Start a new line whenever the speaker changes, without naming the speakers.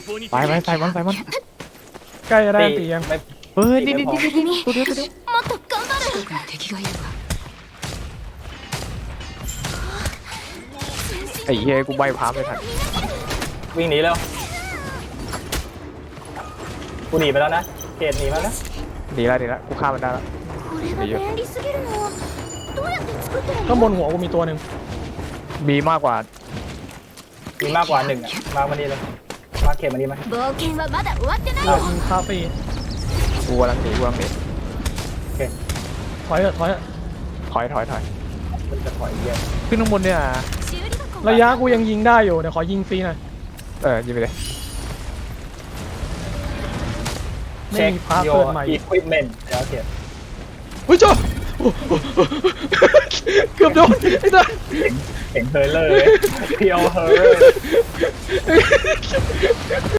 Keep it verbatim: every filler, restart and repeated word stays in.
ไปไปใส่มันใส่มัน
ใกล้จะได้ตียัง
ไม่
เฮ้ยนี่นี่นี่นี่ตัวเดียวตัวเดียว
もっと頑張る敵がいるわ
ไอ้เหี้ยกูใบพาไม่ทัน
วิ่งหนีแล้วกูหนีไปแล้วนะเกตหนีมาแล้ว
ดีแล้วดีแล้วกูฆ่ามันได้แล้ว
これが便利すぎるのどうやって作ってる
ข้าง
の
บนหัวกูมีตัวหนึ่ง
มีมากกว่า
มีมากกว่าหนึ่งอ่ะมามานี่เลยมาเกตมานี่ไหม
冒険はまだ終わってない
อ่ะ
よ
มีคาเฟ่
กูกำลังหนีกูกำลังหนี
ถอยเถอะถอยเถอะ
ถอยถอยถอย
มันจะถอยเยอะ
ขึ้นข้างบนเนี่ย
修理箱
ระยะกูยังยิงได้อยู่เดี๋ยวขอยิงฟรีหน่อย
เออยิงไปเลย
ไม่
เช็ค
มีพาร์ท
โย
เกิดใหม่
อีควิปเมนต์แล้วเกต
เฮ้ยเจ้าโอ้โหเกือบโดนไอ้สัส
เห็นเฮอร์เลอร์เพียวเฮอร์